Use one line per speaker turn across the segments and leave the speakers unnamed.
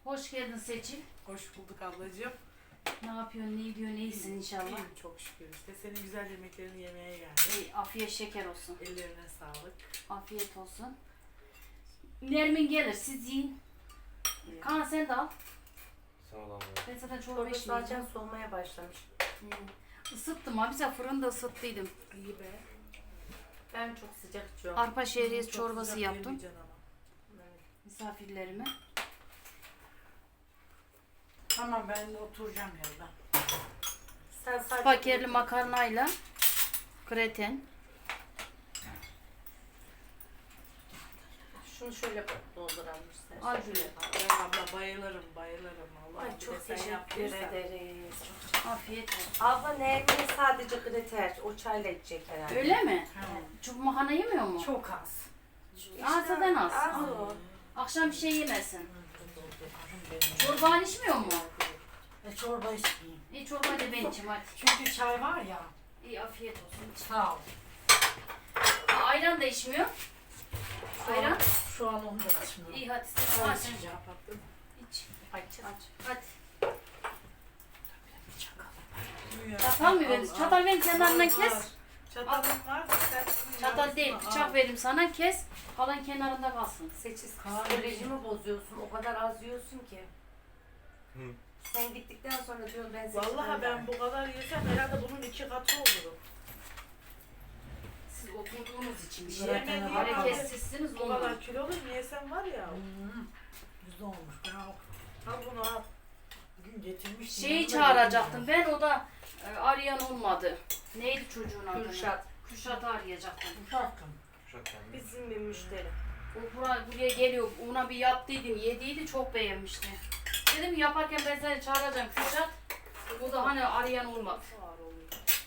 Hoş geldin Seçil.
Hoş bulduk ablacığım.
Ne yapıyorsun, ne ediyorsun, iyisin inşallah.
İyiyim çok şükür işte. Senin güzel yemeklerini yemeye geldim.
İyi, afiyet şeker olsun.
Ellerine sağlık.
Afiyet olsun. Nermin gelir, siz yiyin. Kaan sen de al.
Sağ ol abla.
Ben zaten çorba
Çorba
içmeyeceğim.
zaten soğumaya başlamış.
Isıttım ha, bize fırında ısıttıydım.
İyi be.
Ben çok sıcak içiyorum.
Arpa şehriyesi
Çok
çorbası
sıcak
yaptım
yemeyeceksin ama.
Evet.
misafirlerime.
Tamam ben de oturacağım yerden.
Sen sadece
Spakerli makarnayla kreten.
şunu şöyle dolduralım istersen.
Al şöyle.
Ben abla bayılırım bayılırım. Allah
Ay çok
sen
teşekkür
yaptıysan.
ederiz.
Afiyet olsun.
Abla Nermin'in sadece kriter. O çayla içecek herhalde.
Öyle mi?
Ha,
Çubuk makarna yemiyor mu?
çok az.
İşte
Azdan az.
Az o.
Akşam bir şey yemesin.
Benim.
Çorban içmiyor mu?
Çorba içmeyeyim.
İyi çorba da ben içeyim hadi.
Çünkü çay var ya.
İyi afiyet olsun.
Sağ ol.
Ayran da içmiyor. Ayran.
Şu an onu da içmiyorum.
İyi hadi sen
Onu
aç.
içeceğim.
Kapattım.
İç.
Aç.
Hadi.
Buyur.
Çatal mı verin? Çatal verin kenarından
Var,
kes.
var. Çatalım var. Sen bunu
Çatal
yarısını
değil,
al.
bıçak vereyim sana kes. Kalan kenarında kalsın.
Seçiz
Kahve
psikolojimi bozuyorsun. O kadar az yiyorsun ki.
Hı.
Sen gittikten sonra diyorum ben seçim.
Vallahi ben bu kadar yesem herhalde bunun 2 katı olurum.
Siz oturduğunuz için bir
Bırakın
şey.
abi.
Hareketsizsiniz
Bu
ondan.
kadar kilolu yesem var ya.
Güzel olmuş. Ben
Al bunu al.
bugün getirmiştim.
Şeyi
yanımda
çağıracaktım
getirmedim.
ben, o da arayan olmadı. Neydi çocuğun adı?
Kürşat.
Kürşat'ı arayacaktım.
Uşaktım.
Uşaklarım.
Bizim bir müşteri.
O buraya geliyor, ona bir yaptıydım, yediydi, çok beğenmişti. Dedim yaparken ben seni çağıracağım Kürşat. O da hani arayan olmadı.
Ağır oluyor.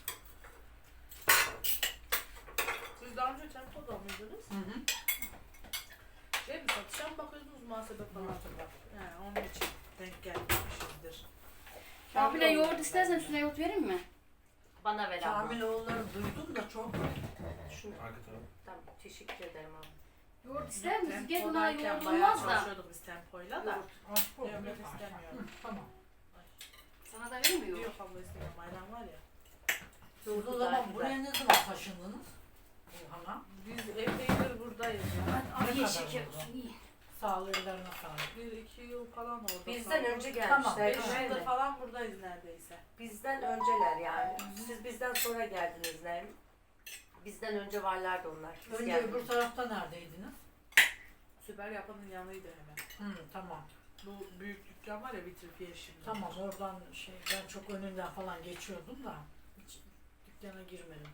Siz daha önce tempoda mıydınız?
Hı hı.
Şey mi satışa mı bakıyordunuz muhasebe falan? He, onun için denk gelmişizdir.
Ya bile yoğurt istersen üstüne yoğurt vereyim mi?
Bana ver abla.
Kamil oğulları duydum da çok.
Şunu.
Arka taraf.
Tamam teşekkür ederim abla.
Yoğurt ister misin? Gel buna
Tempodayken
yoğurt
bayağı
olmaz da.
çalışıyorduk biz tempoyla da.
Aşk olsun.
Yok, yok, istemiyorum.
Hı, tamam.
Sana da vereyim mi yoğurt?
Yok abla istemiyorum. Ayran var ya.
Siz o zaman buraya ne zaman taşındınız? Orhan'a.
Biz epeydir buradayız ya.
Hadi afiyet
kadar
şeker
oldu?
olsun iyi.
Sağ ol, ellerine sağlık.
1-2 yıl falan orada.
Bizden önce
Tamam,
gelmişler.
5
değil
yıldır
mi?
falan buradayız neredeyse.
Bizden önceler yani. Siz bizden sonra geldiniz Nermin. Bizden önce varlardı onlar. Biz
Önce
geldik.
öbür tarafta neredeydiniz?
Süper Yapı'nın yanıydı hemen.
Tamam.
Bu büyük dükkan var ya Vitrifiye şimdi.
Tamam oradan ben çok önünden falan geçiyordum da hiç dükkana girmedim.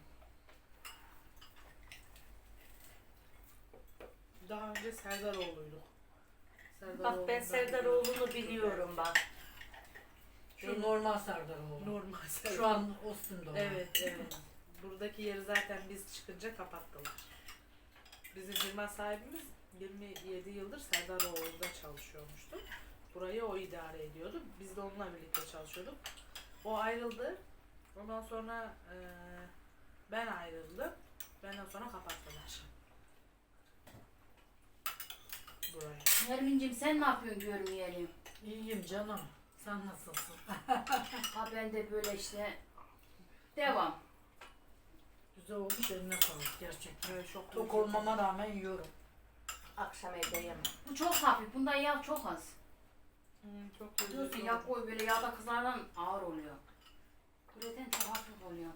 Daha önce Serdaroğlu'yduk.
Bak ben Serdaroğlu'nu biliyorum bak.
Şu normal Serdaroğlu.
Normal Serdar.
Şu an Ostim'de olan.
Evet, evet. Buradaki yeri zaten biz çıkınca kapattılar. Bizim firma sahibimiz 27 yıldır Serdaroğlu'nda çalışıyormuştu. Burayı o idare ediyordu. Biz de onunla birlikte çalışıyorduk. O ayrıldı. Ondan sonra ben ayrıldım. Benden sonra kapattılar. Burayı.
Nermin'cim sen ne yapıyorsun görmeyelim.
İyiyim canım. Sen nasılsın?
Ha ben de böyle işte devam.
Güzel olmuş, eline sağlık gerçekten.
Evet, çok
Tok olmama rağmen yiyorum.
Akşam evde yemem.
Bu çok hafif, bunda yağ çok az.
Çok
Diyorsun
lezzetli
yağ
oldu.
koy böyle yağda kızardan ağır oluyor. Gluten çok hafif oluyor.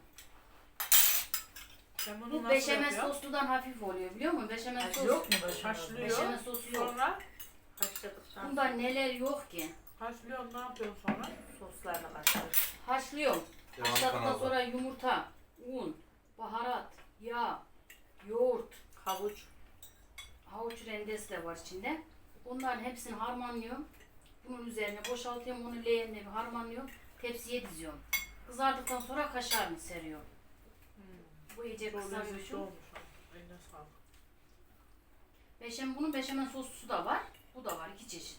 Sen bunu
Bu
nasıl
beşamel
yapıyorsun?
sosludan hafif oluyor biliyor musun? Beşamel sos.
Yok mu başına?
Haşlıyor.
Beşamel sosu yok.
Sonra
Haşladıktan
Bunda neler yok ki?
haşlıyorsun, ne yapıyorsun sonra?
soslarına katıyoruz.
Haşlıyorum.
Devam
Haşladıktan
kanalda.
sonra yumurta, un, baharat, yağ, yoğurt,
Havuç.
havuç rendesi de var içinde. Bunların hepsini harmanlıyorum. Bunun üzerine boşaltıyorum, onu leğenle bir harmanlıyorum. Tepsiye diziyorum. Kızardıktan sonra kaşarını seriyorum. Bu iyice
Çok lezzetli
kızarmış.
olmuş. Eline sağlık.
Bunun beşamel soslusu da var. Bu da var, iki çeşit.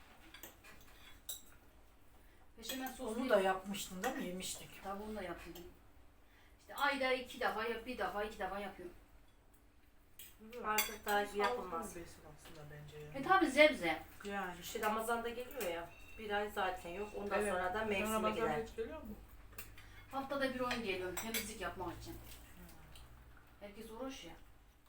Beşamel soslu
Onu da yapmıştın değil mi? Yemiştik.
Tabii onu da yapıyorum. İşte ayda 2 defa, bir defa, 2 defa yapıyorum.
Artık daha yapılmaz.
Sağlıklı bir besin aslında bence yani.
Tabi sebze.
Yani.
İşte Ramazan'da geliyor ya. Bir ay zaten yok. Ondan
Evet.
sonra da mevsime
Ramazan
gider.
hiç geliyor mu?
Haftada bir oyun geliyorum temizlik yapmak için. Herkes uğraş ya.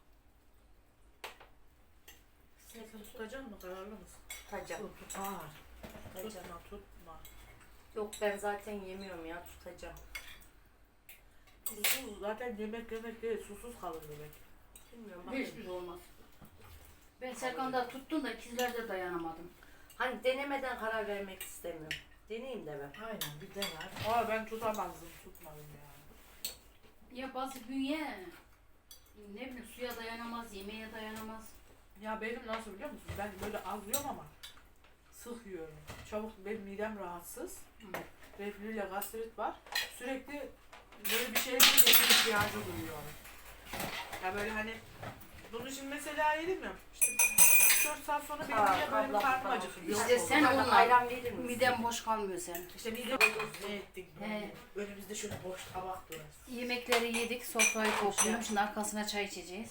Sen tutacak mı? Kararlı mısın?
Tutacağım.
Tutar.
Tutacağım.
Tutma.
Yok ben zaten yemiyorum ya. Tutacağım.
Susuz zaten yemek değil, susuz kalır demek.
Bilmiyorum.
Hiçbir
Bakayım.
şey olmaz. Ben Serkan'da tuttum da ikizlerde dayanamadım.
Hani denemeden karar vermek istemiyorum. Deneyeyim de ben.
Aynen bir dener.
Aa ben tutamazdım, tutmadım yani.
Ya bazı bünye ne bileyim suya dayanamaz, yemeğe dayanamaz.
Ya benim nasıl biliyor musun? Ben böyle az yiyorum ama sık yiyorum. Çabuk benim midem rahatsız. Reflü ile gastrit var. Sürekli böyle bir şeye yemek ihtiyacı duyuyorum. Ya böyle hani bunu şimdi mesela yedim ya. İşte 4 saat sonra benim
Aa,
niye böyle
abla,
karnım
abla.
acıkıyor.
İşte
Yok
sen
oldu.
Bana
onunla-
ayran verir misin?
Midem boş kalmıyor senin.
İşte midem ne ettik
He.
böyle. Önümüzde şöyle boş tabak durası.
Yemekleri yedik, sofrayı topluyorum. Şimdi arkasına çay içeceğiz.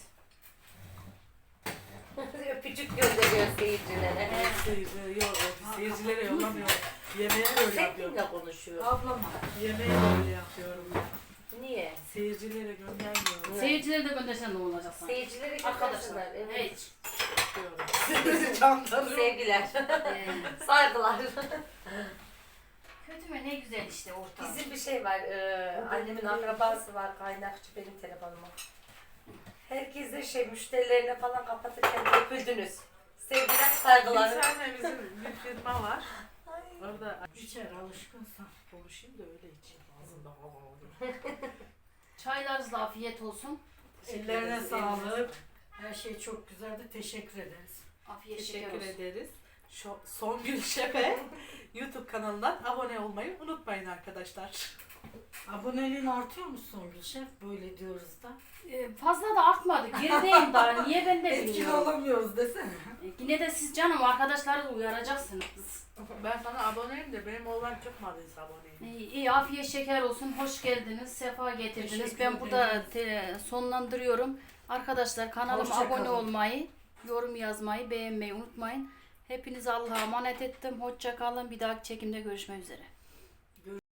Öpücük gönderiyor seyircilere.
Seyircilere yollamıyorum. Yemeğe böyle yapıyorum.
Seninle konuşuyor.
Ablama.
Yemeğe böyle yapıyorum.
Niye?
Seyircilere göndermiyorum.
Evet.
Seyircileri de göndersen ne olacak sana?
Seyircilere
Arkadaşlar,
göndersinler. Evet.
hiç.
Yapıyorum.
Sevgiler.
Ee,
Saygılar.
kötü mü ne güzel işte ortam.
Bizim bir şey var. Annemin akrabası var. Kaynakçı benim telefonuma. Herkese müşterilerine falan kapatırken öpüldünüz. Sevgiler,
Bir
saygılar.
tane bizim bir firma var. Orada
İçer alışkınsan.
konuşayım da öyle içeyim. Ağzımda hava oldu.
Çaylarınızla afiyet olsun.
Ellerine sağlık. Her şey çok güzeldi. Teşekkür ederiz.
Afiyet şeker
Teşekkür
olsun.
ederiz. Songül Şef'e YouTube kanalından abone olmayı unutmayın arkadaşlar.
Aboneliğin artıyor mu Songül Şef? Böyle diyoruz da.
Fazla da artmadı. Gerideyim daha. Niye ben de
Etkili
bilmiyorum.
olamıyoruz desene.
Yine de siz canım arkadaşları da uyaracaksınız.
Ben sana aboneyim de benim oğlan çıkmadıysa aboneyim.
İyi afiyet şeker olsun. Hoş geldiniz. Sefa getirdiniz.
Teşekkür
Ben burada
ederiz.
sonlandırıyorum. Arkadaşlar kanalıma
Hoşça
abone
kalın.
olmayı, yorum yazmayı, beğenmeyi unutmayın. Hepinizi Allah'a emanet ettim. Hoşça kalın. Bir dahaki çekimde görüşmek üzere.